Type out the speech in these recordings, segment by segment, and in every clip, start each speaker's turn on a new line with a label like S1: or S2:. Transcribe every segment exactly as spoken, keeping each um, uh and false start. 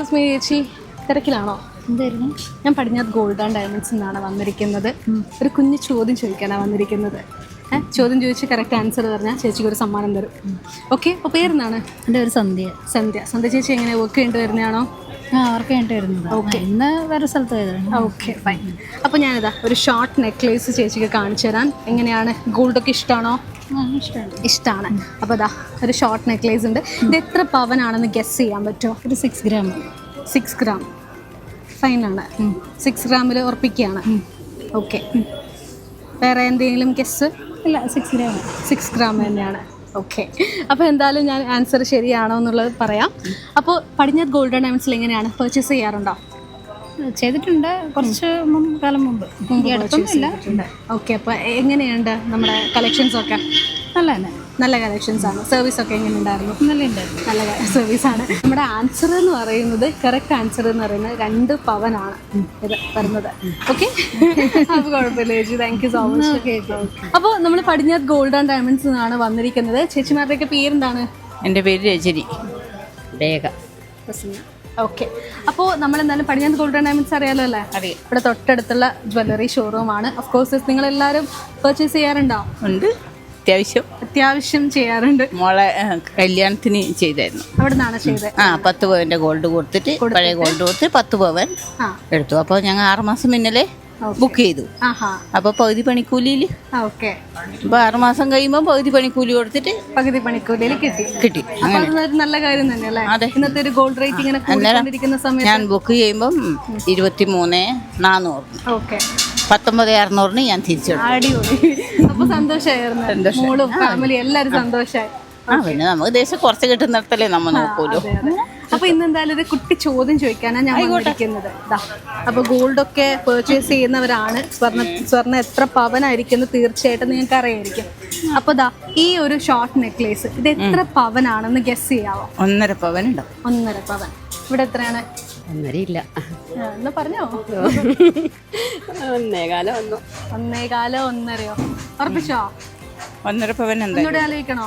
S1: Excuse me ചേച്ചി, തിരക്കിലാണോ?
S2: എന്തായിരുന്നു?
S1: ഞാൻ പടിഞ്ഞാറ് ഗോൾഡ് ആൻഡ് ഡയമണ്ട്സ് എന്നാണ് വന്നിരിക്കുന്നത്. ഒരു കുഞ്ഞു ചോദ്യം ചോദിക്കാനാണ് വന്നിരിക്കുന്നത്. ഏഹ് ചോദ്യം ചോദിച്ച് കറക്റ്റ് ആൻസർ പറഞ്ഞാൽ ചേച്ചിക്ക് ഒരു സമ്മാനം തരും. ഓക്കെ, അപ്പോൾ പേരെന്താണ്?
S2: എൻ്റെ ഒരു സന്ധ്യ.
S1: സന്ധ്യ. സന്ധ്യ ചേച്ചി എങ്ങനെ വർക്ക് ചെയ്യേണ്ടി വരുന്നതാണോ?
S2: ആ അവർക്ക് വേണ്ടി വരുന്നത്. ഓക്കെ, ഇന്ന് വേറെ സ്ഥലത്ത് പോയതാണ്.
S1: Okay fine. അപ്പോൾ ഞാനിതാ ഒരു ഷോർട്ട് നെക്ലേസ് ചേച്ചിക്ക് കാണിച്ചു തരാൻ. എങ്ങനെയാണ്, ഗോൾഡൊക്കെ ഇഷ്ടമാണോ?
S2: ഇഷ്ടമാണ്.
S1: ഇഷ്ടമാണ്. അപ്പോൾ അതാ ഒരു ഷോർട്ട് നെക്ലേസ് ഉണ്ട്. ഇത് എത്ര പവനാണെന്ന് ഗസ് ചെയ്യാൻ പറ്റുമോ?
S2: ഒരു സിക്സ് ഗ്രാം.
S1: സിക്സ് ഗ്രാം ഫൈനാണ്. സിക്സ് ഗ്രാമിൽ ഉറപ്പിക്കുകയാണ്. ഓക്കെ, വേറെ എന്തെങ്കിലും ഗസ്?
S2: ഇല്ല, സിക്സ് ഗ്രാം.
S1: സിക്സ് ഗ്രാം തന്നെയാണ്. ഓക്കെ, അപ്പോൾ എന്തായാലും ഞാൻ ആൻസർ ശരിയാണോ എന്നുള്ളത് പറയാം. അപ്പോൾ പടിഞ്ഞാറ് ഗോൾഡ് ആൻഡ് ഡയമണ്ട്സിൽ എങ്ങനെയാണ്, പർച്ചേസ് ചെയ്യാറുണ്ടോ?
S2: ചെയ്തിട്ടുണ്ട്, കുറച്ച് മുമ്പ് കാലം മുമ്പ്. അടുത്തൊന്നുമില്ല.
S1: ഓക്കെ, അപ്പോൾ എങ്ങനെയുണ്ട് നമ്മുടെ കളക്ഷൻസൊക്കെ?
S2: നല്ല തന്നെ,
S1: നല്ല കളക്ഷൻസ് ആണ്. സർവീസൊക്കെ എങ്ങനെ ഉണ്ടായിരുന്നു?
S2: നല്ല ഉണ്ടായിരുന്നു.
S1: നല്ല സർവീസാണ്. നമ്മുടെ ആൻസർ എന്ന് പറയുന്നത്, കറക്റ്റ് ആൻസർ എന്ന് പറയുന്നത് രണ്ട് പവനാണ് ഇത് വരുന്നത്. ഓക്കെ, അപ്പോൾ കുഴപ്പമില്ല ചേച്ചി, താങ്ക് യു സോ മച്ച്. അപ്പോൾ നമ്മൾ പടിഞ്ഞാറ് ഗോൾഡ് ആൻഡ് ഡയമണ്ട്സ് എന്നാണ് വന്നിരിക്കുന്നത്. ചേച്ചിമാരുടെയൊക്കെ പേരെന്താണ്?
S3: എൻ്റെ പേര് രജനി. രേഖ.
S1: ഓക്കെ, അപ്പോൾ നമ്മൾ എന്തായാലും പടിഞ്ഞാറ് ഗോൾഡ് ആൻഡ് ഡയമണ്ട്സ് അറിയാലോ അല്ലേ?
S3: അറിയാം.
S1: ഇവിടെ തൊട്ടടുത്തുള്ള ജ്വല്ലറി ഷോറൂമാണ്. ഓഫ് കോഴ്സ് നിങ്ങളെല്ലാവരും പർച്ചേസ് ചെയ്യാറുണ്ടോ?
S3: ഉണ്ട്, അത്യാവശ്യം
S1: അത്യാവശ്യം ചെയ്യാറുണ്ട്.
S3: മോളെ കല്യാണത്തിന് ചെയ്തായിരുന്നു.
S1: അവിടെ നിന്നാണ് ചെയ്തത്?
S3: ആ, പത്ത് പവൻ്റെ ഗോൾഡ് കൊടുത്തിട്ട്, പഴയ ഗോൾഡ് കൊടുത്ത് പത്ത് പവൻ എടുത്തു. അപ്പോൾ ഞങ്ങൾ ആറുമാസം മുന്നേ ബുക്ക് ചെയ്തു. അപ്പോൾ പകുതി പണിക്കൂലിയിൽ.
S1: ഓക്കെ,
S3: അപ്പോൾ ആറുമാസം കഴിയുമ്പോൾ പകുതി പണിക്കൂലി കൊടുത്തിട്ട്
S1: പകുതി പണിക്കൂലിയിൽ കിട്ടി.
S3: കിട്ടി.
S1: അങ്ങനെ നല്ല കാര്യം തന്നെയല്ലേ?
S3: അതെ.
S1: ഇന്നത്തെ ഒരു ഗോൾഡ് റേറ്റ് ഇങ്ങനെ കൂടിക്കൊണ്ടിരിക്കുന്ന സമയത്ത്
S3: ഞാൻ ബുക്ക് ചെയ്യുമ്പം ഇരുപത്തി മൂന്ന് നാന്നൂറ്
S1: ഓക്കെ
S3: പത്തൊമ്പത് അറുന്നൂറിന് ഞാൻ തിരിച്ചു.
S1: അടിപൊളി. അപ്പൊ സന്തോഷമായിരുന്നു, മോളും ഫാമിലി എല്ലാവരും സന്തോഷമായി.
S3: ആ, പിന്നെ നമുക്ക് ദേശം കുറച്ച് കിട്ടുന്നിടത്തല്ലേ നമ്മൾ നോക്കൂലോ.
S1: അപ്പൊ ഇന്ന് എന്തായാലും ഒരു കുട്ടി ചോദ്യം ചോദിക്കാനാണ് ഞാൻ വന്നിരിക്കുന്നത്. അപ്പൊ ഗോൾഡൊക്കെ പെർച്ചേസ് ചെയ്യുന്നവരാണ്. സ്വർണ്ണ സ്വർണ്ണം എത്ര പവനായിരിക്കും തീർച്ചയായിട്ടും നിങ്ങൾക്ക് അറിയായിരിക്കും. അപ്പൊ ദാ ഈ ഒരു ഷോർട്ട് നെക്ലേസ് ഇത് എത്ര പവനാണെന്ന് ഗസ് ചെയ്യാവോ?
S3: ഒന്നര പവൻ ഉണ്ടാവും.
S1: ഒന്നര പവൻ. ഇവിടെ എത്രയാണ്?
S3: ഒന്നരയില്ല.
S1: എന്നാ പറഞ്ഞോ?
S3: ഒന്നേകാലം ഒന്നു.
S1: ഒന്നേകാലോ ഒന്നരയോ? ഉറപ്പിച്ചോ?
S3: ഒന്നര പവൻ എന്താ?
S1: ഒന്നുകൂടെ ആലോചിക്കണോ?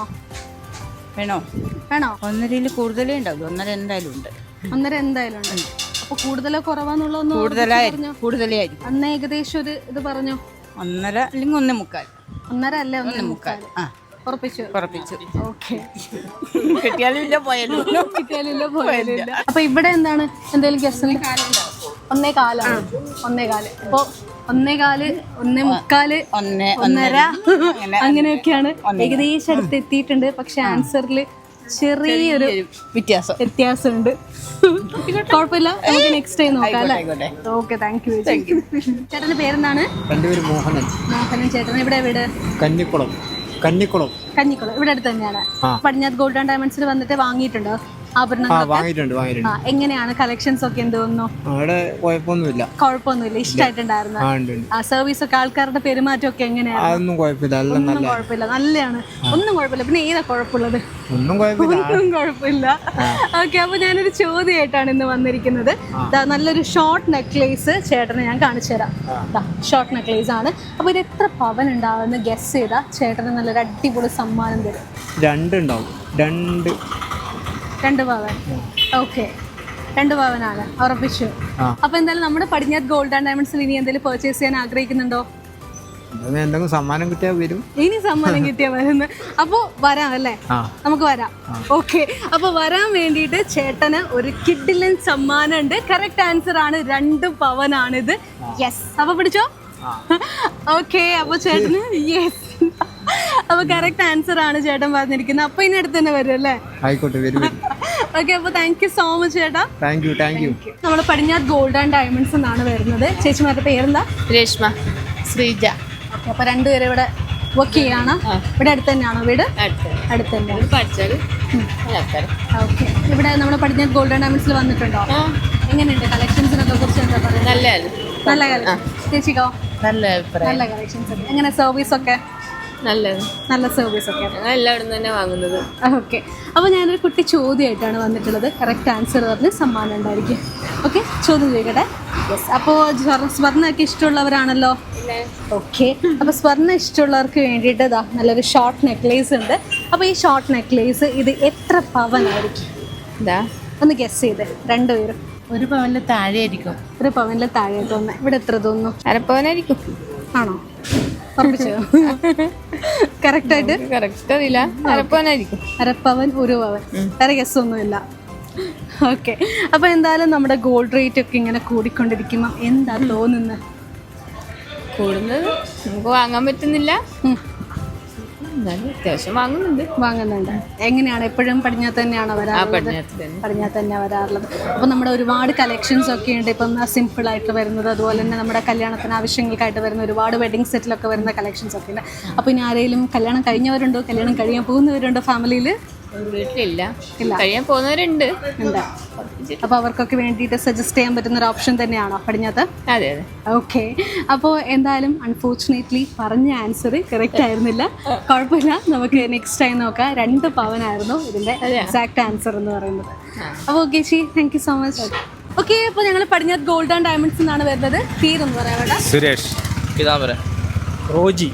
S3: വേണോ?
S1: വേണോ?
S3: ഒന്നരയിൽ കൂടുതലേ ഉണ്ടാവും. ഒന്നര എന്തായാലും ഉണ്ട്.
S1: ഒന്നര എന്തായാലും ഉണ്ട്. അപ്പൊ കൂടുതലോ കുറവാന്നുള്ളതൊന്നും
S3: കൂടുതലായിരിക്കും. കൂടുതലേ ആയിരിക്കും.
S1: അന്ന് ഏകദേശം ഒരു ഇത് പറഞ്ഞോ?
S3: ഒന്നര അല്ലെങ്കിൽ ഒന്നേ മുക്കാൽ.
S1: ഒന്നര അല്ലേ? ഒന്നേ മുക്കാൽ.
S3: ആ,
S1: ഉറപ്പിച്ചു.
S3: ഉറപ്പിച്ചു.
S1: ഓക്കെ,
S3: കിട്ടിയാലും ഇല്ല, പോയാലും
S1: കിട്ടിയാലില്ല, പോയാലില്ല. അപ്പൊ ഇവിടെ എന്താണ് എന്തെങ്കിലും ഗസ്? ഒന്നേ കാലാണ്. ഒന്നേ കാല്. അപ്പൊ ഒന്നേ കാല്, ഒന്നേ മുക്കാല്,
S3: ഒന്നേ
S1: ഒന്നര, അങ്ങനെയൊക്കെയാണ്. ഏകദേശം അടുത്ത് എത്തിയിട്ടുണ്ട്. പക്ഷെ ആൻസറിൽ ചെറിയൊരു
S3: വ്യത്യാസം
S1: വ്യത്യാസമുണ്ട്. കുഴപ്പമില്ല, നമുക്ക് നെക്സ്റ്റ് ടൈം നോക്കാം അല്ലേ? Okay, thank you. ചേട്ടന്റെ പേരെന്താണ്?
S4: മോഹനൻ.
S1: മോഹനൻ ചേട്ടൻ. ഇവിടെ വീട്?
S4: കന്നിക്കുളം. കന്നിക്കുളം
S1: കഞ്ഞിക്കുളം. ഇവിടെ അടുത്ത് തന്നെയാണ്. പടിഞ്ഞാറ് ഗോൾഡ് ആൻഡ് ഡയമണ്ട്സിൽ വന്നിട്ട് വാങ്ങിയിട്ടുണ്ടോ ആഭരണങ്ങൾ? എങ്ങനെയാണ് കളക്ഷൻസ് ഒക്കെ? എന്ത് തോന്നുന്നു?
S4: കുഴപ്പമൊന്നുമില്ല.
S1: കുഴപ്പമൊന്നുമില്ല, ഇഷ്ടമായിട്ടുണ്ടായിരുന്നു. സർവീസ് ഒക്കെ, ആൾക്കാരുടെ പെരുമാറ്റം ഒക്കെ എങ്ങനെയാണ്?
S4: ഒന്നും കുഴപ്പമില്ല,
S1: ഒന്നും കുഴപ്പമില്ല, നല്ലതാണ്. ഒന്നും കുഴപ്പമില്ല. പിന്നെ ഏതാ കുഴപ്പമുള്ളത്?
S4: ഒന്നും കുഴപ്പമില്ല.
S1: ഓക്കെ, അപ്പൊ ഞാനൊരു ചോദ്യമായിട്ടാണ് ഇന്ന് വന്നിരിക്കുന്നത്. നല്ലൊരു ഷോർട്ട് നെക്ലേസ് ചേട്ടന് ഞാൻ കാണിച്ചു തരാം. ഷോർട്ട് നെക്ലേസ് ആണ്. അപ്പൊ ഇത് എത്ര പവൻ ഉണ്ടാവുമെന്ന് ഗസ് ചെയ്താ ചേട്ടന് നല്ലൊരു അടിപൊളി സമ്മാനം തരും.
S4: രണ്ടുണ്ടാവും. രണ്ട്
S1: രണ്ട് പവൻ. ഓക്കെ, രണ്ട് പവനാണ്. ഉറപ്പിച്ചു. അപ്പൊ എന്തായാലും നമ്മുടെ പടിഞ്ഞാറ് ഗോൾഡ് ആൻഡ് ഡയമണ്ട്സിൽ ഇനി എന്തെങ്കിലും പർച്ചേസ് ചെയ്യാൻ ആഗ്രഹിക്കുന്നുണ്ടോ?
S4: എന്തെങ്കിലും സമ്മാനം കിട്ടിയാൽ വരും.
S1: ഇനി സമ്മാനം കിട്ടിയാൽ വരുന്നു. അപ്പൊ വരാം അല്ലേ? നമുക്ക് വരാം. ഓക്കെ, അപ്പൊ വരാൻ വേണ്ടിയിട്ട് ചേട്ടന് ഒരു കിഡിലൻ സമ്മാനം ഉണ്ട്. കറക്റ്റ് ആൻസർ ആണ്, രണ്ട് പവനാണിത്. യെസ്. അപ്പൊ പിടിച്ചോ. ഓക്കെ, അപ്പൊ ചേട്ടന് യെസ്. അപ്പൊ കറക്റ്റ് ആൻസർ ആണ് ചേട്ടൻ പറഞ്ഞിരിക്കുന്നത്. അപ്പൊ ഇനി അടുത്ത് തന്നെ വരും അല്ലേ?
S4: ആയിക്കോട്ടെ, വരും.
S1: ഓക്കെ, അപ്പൊ താങ്ക് യു സോ മച്ച് ചേട്ടാ.
S4: Thank you. Thank you.
S1: നമ്മുടെ പടിഞ്ഞാറ് ഗോൾഡ് ആൻഡ് ഡയമണ്ട്സ് എന്നാണ് വരുന്നത്. ചേച്ചിമാരുടെ പേരെന്താ?
S3: രേഷ്മ, ശ്രീജ.
S1: ഓക്കെ, അപ്പൊ രണ്ടുപേരും ഇവിടെ വർക്ക് ചെയ്യാണ്. ഇവിടെ അടുത്ത് തന്നെയാണോ വീട്? അടുത്ത് തന്നെയാണ്. ഓക്കെ, ഇവിടെ നമ്മുടെ പടിഞ്ഞാറ് ഗോൾഡ് ആൻഡ് ഡയമണ്ട്സിൽ വന്നിട്ടുണ്ടോ? എങ്ങനെയുണ്ട് കളക്ഷൻസിനൊക്കെ കുറിച്ച് എന്താ പറയുക?
S3: നല്ല
S1: നല്ല കളക്ഷൻ. ചേച്ചിക്കോ?
S3: നല്ല അഭിപ്രായം.
S1: നല്ല കളക്ഷൻസ്. എങ്ങനെ സർവീസ് ഒക്കെ?
S3: നല്ലത്.
S1: നല്ല സർവീസ് ഒക്കെ.
S3: എല്ലാവരും തന്നെ വാങ്ങുന്നത്.
S1: ഓക്കെ, അപ്പോൾ ഞാനൊരു കുട്ടി ചോദ്യമായിട്ടാണ് വന്നിട്ടുള്ളത്. കറക്റ്റ് ആൻസർ പറഞ്ഞ് സമ്മാനം ഉണ്ടായിരിക്കും. ഓക്കെ, ചോദ്യം ചോദിക്കട്ടെ? യെസ്. അപ്പോൾ സ്വർണ്ണമൊക്കെ ഇഷ്ടമുള്ളവരാണല്ലോ? ഓക്കെ, അപ്പോൾ സ്വർണ്ണം ഇഷ്ടമുള്ളവർക്ക് വേണ്ടിയിട്ട് ഇതാ നല്ലൊരു ഷോർട്ട് നെക്ലേസ് ഉണ്ട്. അപ്പോൾ ഈ ഷോർട്ട് നെക്ലേസ് ഇത് എത്ര പവനായിരിക്കും?
S3: എന്താ
S1: ഒന്ന് ഗസ് ചെയ്തേ രണ്ടുപേരും.
S3: ഒരു പവനിൽ താഴെ ആയിരിക്കും.
S1: ഒരു പവനിൽ താഴെ തോന്നുന്നു. ഇവിടെ എത്ര തോന്നുന്നു?
S2: അരപ്പവനായിരിക്കും.
S1: ആണോ? ഉറപ്പിച്ചോ? കറക്റ്റ് ആയിട്ട്
S2: കറക്റ്റ് അറിയില്ല. അരപ്പവനായിരിക്കും.
S1: അരപ്പവൻ ഒരു പവൻ. വേറെ ഗസ് ഒന്നുമില്ല. ഓക്കെ. അപ്പൊ എന്തായാലും നമ്മുടെ ഗോൾഡ് റേറ്റ് ഒക്കെ ഇങ്ങനെ കൂടിക്കൊണ്ടിരിക്കുമ്പോ എന്താ തോന്നുന്നത്?
S2: കൂടുന്നത് നമുക്ക് വാങ്ങാൻ പറ്റുന്നില്ല. അത്യാവശ്യം വാങ്ങുന്നുണ്ട്.
S1: വാങ്ങുന്നുണ്ട്. എങ്ങനെയാണ്? എപ്പോഴും പടിഞ്ഞാത്ത് തന്നെയാണോ വരാറുള്ളത്? പടിഞ്ഞാത്ത് തന്നെ വരാറുള്ളത്. അപ്പോൾ നമ്മുടെ ഒരുപാട് കളക്ഷൻസ് ഒക്കെ ഉണ്ട്. ഇപ്പം സിമ്പിൾ ആയിട്ട് വരുന്നത്, അതുപോലെ തന്നെ നമ്മുടെ കല്യാണത്തിന് ആവശ്യങ്ങൾക്കായിട്ട് വരുന്ന ഒരുപാട് വെഡിങ് സെറ്റിലൊക്കെ വരുന്ന കളക്ഷൻസ് ഒക്കെ ഉണ്ട്. അപ്പോൾ ഇനി ആരെങ്കിലും കല്യാണം കഴിഞ്ഞവരുണ്ടോ, കല്യാണം കഴിയാൻ പോകുന്നവരുണ്ടോ ഫാമിലിയിൽ?
S2: വീട്ടിലില്ല, കഴിയാൻ പോകുന്നവരുണ്ട്.
S1: ഉണ്ട്. അപ്പോൾ അവർക്കൊക്കെ വേണ്ടിയിട്ട് സജസ്റ്റ് ചെയ്യാൻ പറ്റുന്ന ഒരു ഓപ്ഷൻ തന്നെയാണോ പടിഞ്ഞാത്ത്?
S2: അതെ അതെ.
S1: ഓക്കെ. അപ്പോൾ എന്തായാലും അൺഫോർച്ചുനേറ്റ്ലി പറഞ്ഞ ആൻസർ കറക്റ്റ് ആയിരുന്നില്ല. കുഴപ്പമില്ല, നമുക്ക് നെക്സ്റ്റ് ടൈം നോക്കാം. രണ്ട് പവനായിരുന്നു ഇതിൻ്റെ എക്സാക്ട് ആൻസർ എന്ന് പറയുന്നത്. അപ്പോൾ ഓക്കെ ചേച്ചി, thank you so much. Okay, അപ്പോൾ ഞങ്ങൾ പടിഞ്ഞാത്ത് ഗോൾഡ് ആൻഡ് ഡയമണ്ട്സ് എന്നാണ് വരുന്നത്. പേരൊന്ന് പറയാം വേണ്ട.
S5: സുരേഷ്. റോജി.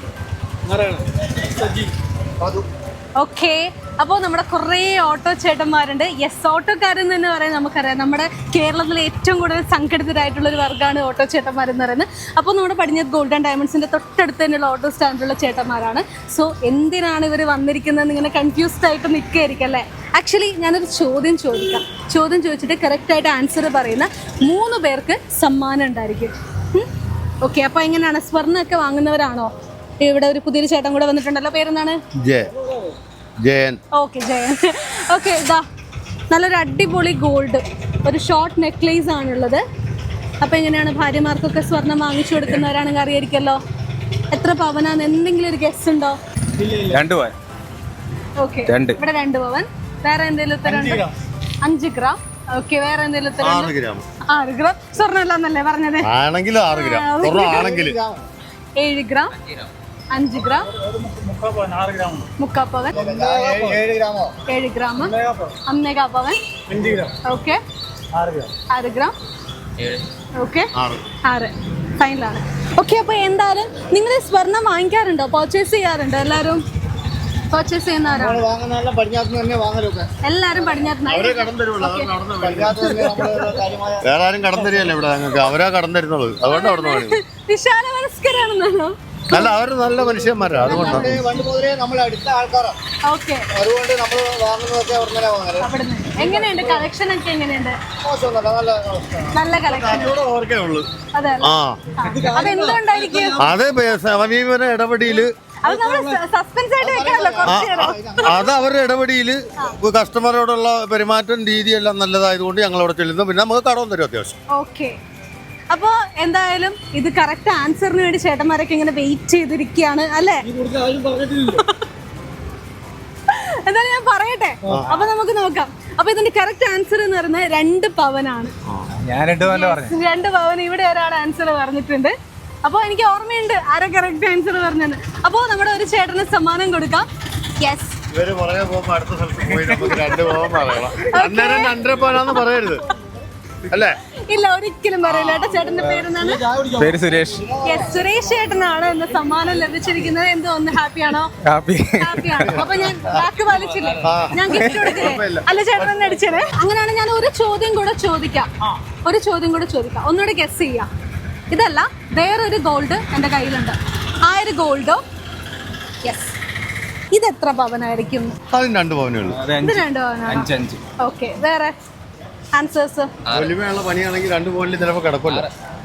S1: ഓക്കെ. അപ്പോൾ നമ്മുടെ കുറേ ഓട്ടോ ചേട്ടന്മാരുണ്ട്. യെസ്, ഓട്ടോക്കാരെന്ന് തന്നെ പറയാൻ നമുക്കറിയാം, നമ്മുടെ കേരളത്തിലെ ഏറ്റവും കൂടുതൽ സംഘടിതരായിട്ടുള്ള ഒരു വർഗ്ഗമാണ് ഓട്ടോ ചേട്ടന്മാരെന്ന് പറയുന്നത്. അപ്പോൾ നമ്മുടെ പടിഞ്ഞാത്ത് ഗോൾഡ് ആൻഡ് ഡയമണ്ട്സിൻ്റെ തൊട്ടടുത്ത് തന്നെയുള്ള ഓട്ടോ സ്റ്റാൻഡിലുള്ള ചേട്ടന്മാരാണ്. സോ എന്തിനാണ് ഇവർ വന്നിരിക്കുന്നത് ഇങ്ങനെ കൺഫ്യൂസ്ഡ് ആയിട്ട് നിൽക്കുകയായിരിക്കും അല്ലേ? ആക്ച്വലി ഞാനൊരു ചോദ്യം ചോദിക്കാം. ചോദ്യം ചോദിച്ചിട്ട് കറക്റ്റായിട്ട് ആൻസർ പറയുന്ന മൂന്ന് പേർക്ക് സമ്മാനം ഉണ്ടായിരിക്കും. ഓക്കെ. അപ്പോൾ എങ്ങനെയാണ്? സ്വർണ്ണമൊക്കെ വാങ്ങുന്നവരാണോ? ഇവിടെ ഒരു പുതിയൊരു ചേട്ടൻ കൂടെ വന്നിട്ടുണ്ടല്ലോ. പേരെന്താണ്?
S6: ജയൻ.
S1: ഓക്കെ, ജയൻ. ഓക്കെ, ഇതാ നല്ലൊരു അടിപൊളി ഗോൾഡ് ഒരു ഷോർട്ട് നെക്ലേസ് ആണുള്ളത്. അപ്പോൾ എങ്ങനെയാണ്? ഭാര്യമാർക്കൊക്കെ സ്വർണം വാങ്ങിച്ചു കൊടുക്കുന്നവരാണെങ്കിൽ അറിയായിരിക്കല്ലോ. എത്ര പവനാന്ന് എന്തെങ്കിലും ഒരു ഗസ് ഉണ്ടോ?
S5: രണ്ട് പവൻ.
S1: ഓക്കെ, ഇവിടെ രണ്ട് പവൻ. വേറെ എന്തെങ്കിലും ഉത്തരവുണ്ടോ? അഞ്ച് ഗ്രാം. ഓക്കെ, വേറെ എന്തെങ്കിലും ഉത്തരം? ആറ് ഗ്രാം. സ്വർണ്ണം അല്ലെന്നല്ലേ പറഞ്ഞത്? ഏഴ് ഗ്രാം, അഞ്ച് ഗ്രാം, മുക്കാ പവൻ, ഏഴ് ഗ്രാം, ഒന്നേകാ പവൻ. ഓക്കെ, ആറ് ഗ്രാം. ഓക്കെ, ആറ് ഫൈനലാണ്. ഓക്കെ. അപ്പോൾ എന്തായാലും നിങ്ങൾ സ്വർണം വാങ്ങിക്കാറുണ്ടോ? പർച്ചേസ് ചെയ്യാറുണ്ടോ? എല്ലാവരും പർച്ചേസ് ചെയ്യുന്നവരാണ്? എല്ലാവരും പടിഞ്ഞാത്ത്.
S6: വേറെ ആരും കടം തരികയല്ലേ ഇവിടെ ഞങ്ങൾക്ക്, അവരാ കടം തരുന്നത്. അതുകൊണ്ട് അവിടെ നിന്ന്
S1: വിശാല മനസ്കരാണെന്നാണോ?
S6: അല്ല, അവർ നല്ല മനുഷ്യന്മാരാ, അതുകൊണ്ടാണ്.
S1: ഓക്കെ. എങ്ങനെയുണ്ട് കളക്ഷൻ ഒക്കെ? എങ്ങനെയുണ്ട്? നല്ല കളക്ഷൻ. അതെ. അതെന്തുകൊണ്ടായിരിക്കും?
S6: അതെ, സമീപന ഇടപെടിയില് അത് അവരുടെ ഇടപെടിയില് കസ്റ്റമറോടുള്ള പെരുമാറ്റം രീതിയെല്ലാം നല്ലതായതുകൊണ്ട് ഞങ്ങൾ അവിടെ ചെല്ലുന്നു. പിന്നെ നമുക്ക് കടവും തരും അത്യാവശ്യം.
S1: ഓക്കെ. അപ്പോൾ എന്തായാലും ഇത് കറക്റ്റ് ആൻസറിന് വേണ്ടി ചേട്ടന്മാരൊക്കെ ഇങ്ങനെ വെയിറ്റ് ചെയ്തിരിക്കുകയാണ് അല്ലേ? എന്തായാലും ഞാൻ പറയട്ടെ, അപ്പൊ നമുക്ക് നോക്കാം. അപ്പൊ ഇതിന്റെ കറക്റ്റ് ആൻസർ എന്ന് പറയുന്നത് രണ്ട് പവനാണ്. രണ്ട് പവൻ. ഇവിടെ ഒരാൾ ആൻസർ പറഞ്ഞിട്ടുണ്ട്. അപ്പോൾ എനിക്ക് ഓർമ്മയുണ്ട് ആരാ കറക്റ്റ് ആൻസർ പറഞ്ഞത്. അപ്പോൾ നമ്മുടെ ഒരു ചേട്ടന് സമ്മാനം കൊടുക്കാം. യെസ്.
S6: ഇവര് പറയാൻ പോകുമ്പോ അടുത്ത സ്ഥലത്ത് പോയി നമുക്ക് രണ്ട് പോകാൻ പറയണം. അന്നേരം രണ്ടര പോകാന്ന് പറയരുത് അല്ലേ?
S1: ഇല്ല, ഒരിക്കലും പറയില്ല. ഏട്ടാ, ചേട്ടന്റെ പേരെന്താണ്?
S5: പേര് സുരേഷ്.
S1: യെസ്, സുരേഷ് ചേട്ടനാണ് ഇന്ന് സമ്മാനം ലഭിച്ചിരിക്കുന്നത്. എന്തോ ഒന്ന് ഹാപ്പിയാണോ? ഹാപ്പിയാണ്. അപ്പൊ ഞാൻ വാക്ക് പാലിച്ചില്ലേ? ഞാൻ ഗിഫ്റ്റ് കൊടുക്കില്ലേ? അല്ല, ചേട്ടൻ തന്നെ അടിച്ചത്. അങ്ങനെയാണ്. ഞാൻ ഒരു ചോദ്യം കൂടെ ചോദിക്കാം. ഒരു ചോദ്യം കൂടെ ചോദിക്കാം. ഒന്നുകൂടെ ഗസ് ചെയ്യാം. ഇതല്ല, വേറൊരു ഗോൾഡ് എൻ്റെ കയ്യിലുണ്ട്. ആ ഒരു ഗോൾഡോ? യെസ്. ഇത് എത്ര പവനായിരിക്കും?
S6: രണ്ട് പവനേ ഉള്ളൂ.
S1: ഇത് രണ്ട് പവനാണ്. ഓക്കെ. വേറെ ആൻസേഴ്സ്?
S6: വലിമയുള്ള പണിയാണെങ്കിൽ രണ്ട് പവനിൽ ചിലപ്പോൾ കിടക്കില്ല.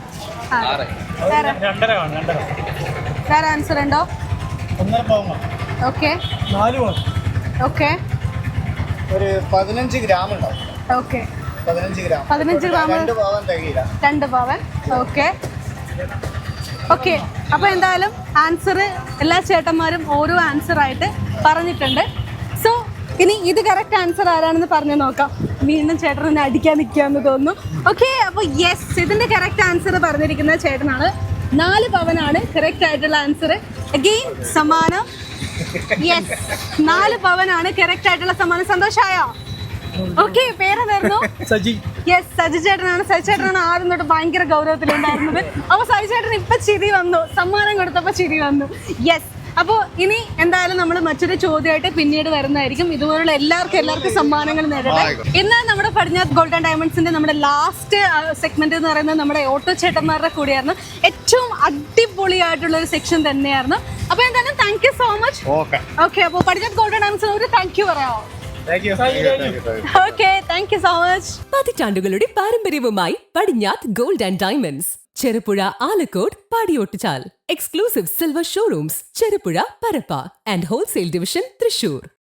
S1: വേറെ ആൻസർ ഉണ്ടോ? ഓക്കെ. ഓക്കെ.
S7: ഒരു പതിനഞ്ച് ഗ്രാം ഉണ്ടാവും.
S1: ഓക്കെ.
S7: പതിനഞ്ച് ഗ്രാം.
S1: പതിനഞ്ച് ഗ്രാം.
S7: രണ്ട് പവൻ തികയില്ല.
S1: രണ്ട് പവൻ. ഓക്കെ. ഓക്കെ. അപ്പോൾ എന്തായാലും ആൻസർ എല്ലാ ചേട്ടന്മാരും ഓരോ ആൻസർ ആയിട്ട് പറഞ്ഞിട്ടുണ്ട്. സോ ഇനി ഇത് കറക്റ്റ് ആൻസർ ആരാണെന്ന് പറഞ്ഞു നോക്കാം. വീണ്ടും ചേട്ടൻ എന്നെ അടിക്കാൻ നിൽക്കാന്ന് തോന്നുന്നു. ഓക്കെ. അപ്പോൾ യെസ്, ഇതിന്റെ കറക്റ്റ് ആൻസർ പറഞ്ഞിരിക്കുന്ന ചേട്ടനാണ്. നാല് പവനാണ് കറക്റ്റ് ആയിട്ടുള്ള ആൻസർ. അഗെയിൻ സമ്മാനം. യെസ്, നാല് പവനാണ് കറക്റ്റ് ആയിട്ടുള്ള സമ്മാനം. സന്തോഷമായോ? ഓക്കെ. പേരെന്തായിരുന്നു?
S5: സജി.
S1: യെസ്, സജി ചേട്ടനാണ്. സജി ചേട്ടനാണ് ആദ്യം തൊട്ട് ഭയങ്കര ഗൗരവത്തിലുണ്ടായിരുന്നത്. അപ്പോൾ സജി ചേട്ടൻ ഇപ്പൊ ചിരി വന്നു, സമ്മാനം കൊടുത്തപ്പോൾ ചിരി വന്നു. യെസ്. അപ്പോൾ ഇനി എന്തായാലും നമ്മൾ മറ്റൊരു ചോദ്യമായിട്ട് പിന്നീട് വരുന്നതായിരിക്കും. ഇതുപോലുള്ള എല്ലാവർക്കും എല്ലാവർക്കും സമ്മാനങ്ങൾ നേടട്ടെ. ഇന്ന് നമ്മുടെ പടിഞ്ഞാത്ത് ഗോൾഡൻ ഡയമണ്ട്സിന്റെ നമ്മുടെ ലാസ്റ്റ് സെഗ്മെന്റ് എന്ന് പറയുന്നത് നമ്മുടെ ഓട്ടോ ചേട്ടന്മാരുടെ കൂടെയായിരുന്നു. ഏറ്റവും അടിപൊളിയായിട്ടുള്ള ഒരു സെക്ഷൻ തന്നെയായിരുന്നു. അപ്പൊ എന്തായാലും thank you so much.
S6: Okay
S1: okay, അപ്പോൾ പടിഞ്ഞാത്ത് ഗോൾഡൻ ഡയമണ്ട്സിന് ഒരു താങ്ക് യു പറയാമോ? Okay, thank you so much.
S8: പതിറ്റാണ്ടുകളുടെ പാരമ്പര്യവുമായി Padinjath gold and diamonds, Cherupuzha, Alakode, Padiyottuchal. Exclusive silver showrooms Cherupuzha, Parappa and wholesale division Thrissur.